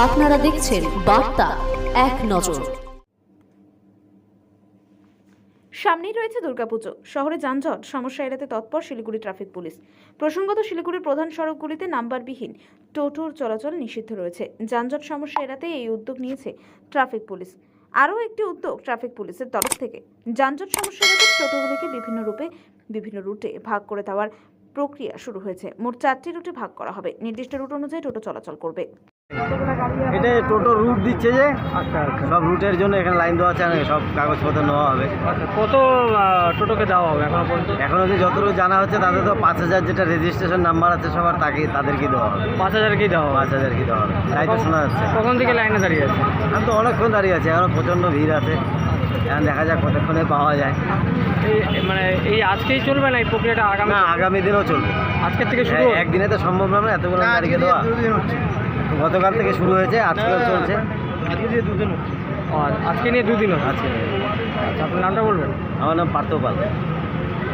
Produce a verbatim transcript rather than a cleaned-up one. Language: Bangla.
আপনারা দেখছেন বার্তা এক নজর। সামনেই রয়েছে দুর্গাপুজো। শহরে যানজট সমস্যা এড়াতে তৎপর শিলিগুড়ি ট্রাফিক পুলিশ। প্রসঙ্গত, শিলিগুড়ির প্রধান সড়কগুলিতে নাম্বারবিহীন টোটোর চলাচল নিষিদ্ধ রয়েছে। যানজট সমস্যা এড়াতে এই উদ্যোগ নিয়েছে ট্রাফিক পুলিশ। আরও একটি উদ্যোগ ট্রাফিক পুলিশের তরফ থেকে যানজট সমস্যা এড়াতে টোটোগুলিকে বিভিন্ন রূপে বিভিন্ন রুটে ভাগ করে দেওয়ার প্রক্রিয়া শুরু হয়েছে। মোট চারটি রুটে ভাগ করা হবে। নির্দিষ্ট রুট অনুযায়ী টোটো চলাচল করবে। এটা টোটো রুট দিচ্ছে যে আচ্ছা আচ্ছা সব রুটের জন্য এখানে লাইন দেওয়া আছে, সব কাগজপত্র নেওয়া হবে। আচ্ছা কত আহ, টোটোকে দেওয়া হবে এখনো পর্যন্ত? এখন অবধি যতটুকু জানা হচ্ছে তাদের তো পাঁচ হাজার যেটা রেজিস্ট্রেশন নাম্বার আছে সবার, তাকে তাদেরকে দেওয়া হবে। পাঁচ হাজার কি দেওয়া হবে? পাঁচ হাজার কি দেওয়া হবে তাই তো শোনা যাচ্ছে। কখন থেকে লাইনে দাঁড়িয়ে আছে? আমি তো অনেকক্ষণ দাঁড়িয়ে আছি, এখনো প্রচণ্ড ভিড় আছে। এখন দেখা যাক কতক্ষণে পাওয়া যায়। এই মানে এই আজকেই চলবে না এই প্রক্রিয়াটা? আগামী না, আগামী দিনও চলবে। আজকের থেকে শুরু? হ্যাঁ, একদিনে তো সম্ভব না এতগুলো তারিখে দেওয়া। গতকাল থেকে শুরু হয়েছে, আজকেও চলছে। ও, আজকে নিয়ে দুদিন হচ্ছে। আজকে আচ্ছা, আপনার নামটা বলবেন? আমার নাম পার্থ পাল।